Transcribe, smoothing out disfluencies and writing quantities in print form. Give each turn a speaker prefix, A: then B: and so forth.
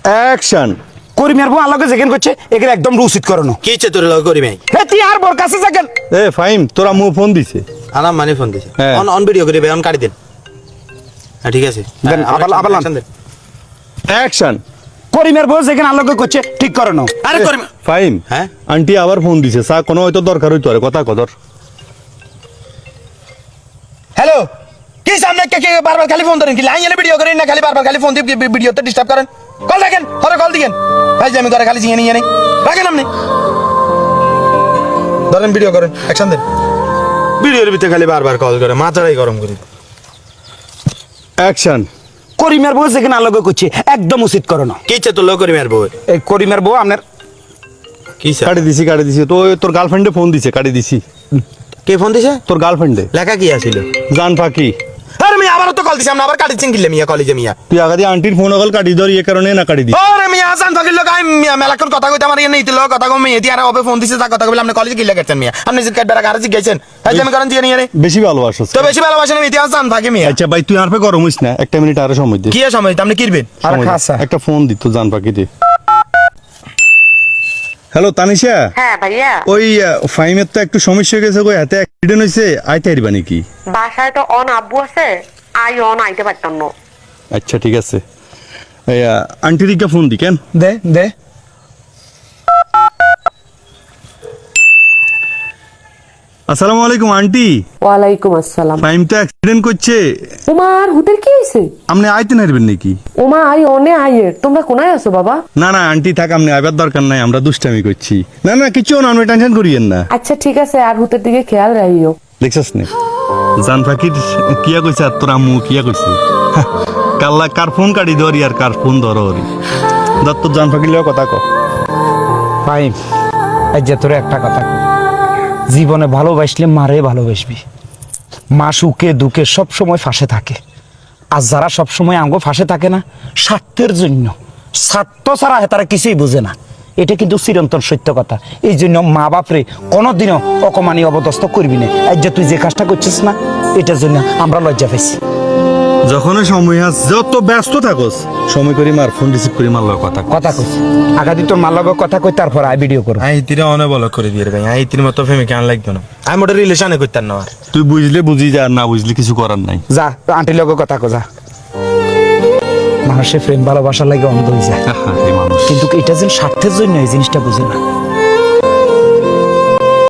A: Action.
B: করিমের বউ আলোকে যেখান করছে এগুলো একদম রুচিত করানো
C: কি ইচ্ছে তোর লগে করি ভাই?
B: হে তুই আর বোর কাছে যেখান
A: এ ফাইম তোরা মু ফোন দিছে।
C: আরাম মানে ফোন দিছে।
A: হ্যাঁ।
C: অন ভিডিও করি ভাই, অন কাটি দেন। হ্যাঁ ঠিক আছে।
B: দেন, আবার লান।
A: অ্যাকশন।
B: করিমের বউ যেখানে আলোকে করছে ঠিক করানো
C: আরে করি
A: ফাইম
C: হ্যাঁ?
A: আন্টি আবার ফোন দিছে, চা কোনো হয়তো দরকার হইতো আরে কথা কদর।
C: হ্যালো, কি সামনে কে বারবার খালি ফোন ধরেন? কি লাইন ভিডিও করেন না খালি বারবার খালি ফোন দিয়ে ভিডিওতে ডিস্টার্ব করেন? কল রাখেন, হরে কল দিয়েন। ভাই যে আমি করে খালি জিয়ে নিয়ে নেই রাখেন আপনি। ধরেন ভিডিও করেন, অ্যাকশন দেন। ভিডিওর ভিতরে খালি বারবার কল করে মাথাটাই গরম করি।
A: অ্যাকশন।
B: করিমের বউ যেখানে আলোকে করছে একদম উচিত করানো
C: কি ইচ্ছে তোর লগে করি মারব?
B: এই করিমের বউ আপনার
C: কি স্যার?
A: কাটি দিছি তো তোর গার্লফ্রেন্ডে ফোন দিছে, কাটি দিছি।
C: কে ফোন দিছে?
A: তোর গার্লফ্রেন্ডে
C: লেখা কি আছিল?
A: জান ফাঁকি।
C: আরে মিয়া আবারও তো কল দিছে, আপনি আবার কাটিছেন কিলে মিয়া কলেজে মিয়া?
A: তুই আগে দিয়ে আন্টির ফোন অকল কাটি ধর, ইয়ে কারণে না কাটি দি।
C: ওরে মিয়া জান থাকিল লোক আমি মিয়া মেলাক্ষণ কথা কইতে আমার ইয়ে লোক কথা কম মেয়ে দিয়ে আর ওবে ফোন দিছে যা কথা কইলে আপনি কলেজে কিলে গেছেন মিয়া? আপনি যে কাটবার আগে জিজ্ঞাসেন হ্যাঁ যে আমি করেন দিয়ে নিয়ে নে।
A: বেশি ভালোবাসছ
C: তো বেশি ভালোবাসেন আমি ইতিহাস জান থাকি মিয়া।
A: আচ্ছা ভাই তুই আর পে গরম হইস না, একটা মিনিট আরো সময় দে।
C: কি সময় আপনি কিরবেন?
B: আর
A: সময় দে।
B: খাসা
A: একটা ফোন দিত জান ফাঁকি দে। হ্যালো তানিশা।
D: হ্যাঁ ভাইয়া,
A: ওই ফাইমের তো একটু সমস্যা হয়ে গেছে, ওই হাতে অ্যাক্সিডেন্ট হয়েছে, আইতে পারবা নাকি?
D: বাসায় তো অন আব্বু আছে, অন আইতে পারতাম না।
A: আচ্ছা ঠিক আছে। এই আন্টিরিকে ফোন দি কেন?
B: দে দে
A: আসসালামু আলাইকুম আন্টি।
D: ওয়ালাইকুম আসসালাম।
A: ফাইম তো অ্যাক্সিডেন্ট করছে,
D: ওমার হুতের কি হয়েছে?
A: আপনি আইতে নারবেন নাকি?
D: ওমা আই অনে আইয়ের, তোমরা কোনায় আছো বাবা?
A: না না আন্টি থাক, আপনি আইবার দরকার নাই, আমরা দুষ্টামি করছি। না না কিছু না, আপনি টেনশন করিয়েন না।
D: আচ্ছা ঠিক আছে, আর হুতের দিকে খেয়াল রাখিও।
A: দেখছস নে জান ফাঁকির কিয়া কইছে আর তোর আম্মু কিয়া কইছে। কাল্লা কার ফোন কাটি ধরি আর কার ফোন ধরো হরি দত্ত জান ফাঁকির লিও কথা ক।
B: ফাইম এই যে তোর একটা কথা কই, জীবনে ভালোবাসলে মারে ভালোবাসবি। মা সুখে দুঃখে সব সময় ফাঁসে থাকে, আর যারা সব সময় আমগো ফাঁসে থাকে না স্বার্থের জন্য, স্বার্থ ছাড়া তারা কিছুই বোঝে না। এটা কিন্তু চিরন্তন সত্য কথা। এই জন্য মা বাপরে কোনোদিনও অকমানি অবদস্থ করবি না। এই যে তুই যে কাজটা করছিস না, এটার জন্য আমরা লজ্জা পাইছি।
A: যখনই সময় আস, যত ব্যস্ত থাকস সময় করি মার ফোন রিসিভ করি মার লগে কথা
B: কথা কইছি আগাদি তোর মার লগে কথা কই, তারপর আই ভিডিও করব।
C: আই তিরে অনে বলক করে দিয়ে ভাই, আই তির মতো ফেমি কেন লাগবে না? আমি মোটে রিলেশনে করতাম না আর।
A: তুই বুঝলে বুঝি যা, আর না বুঝলে কিছু করার নাই।
B: যা আন্টির লগে কথা কো যা। মানুষের প্রেম ভালোবাসার লাগে অন্ধ হয়ে যায়,
A: এই মানুষ
B: কিন্তু এটা যে স্বার্থের জন্য এই জিনিসটা বুঝে না।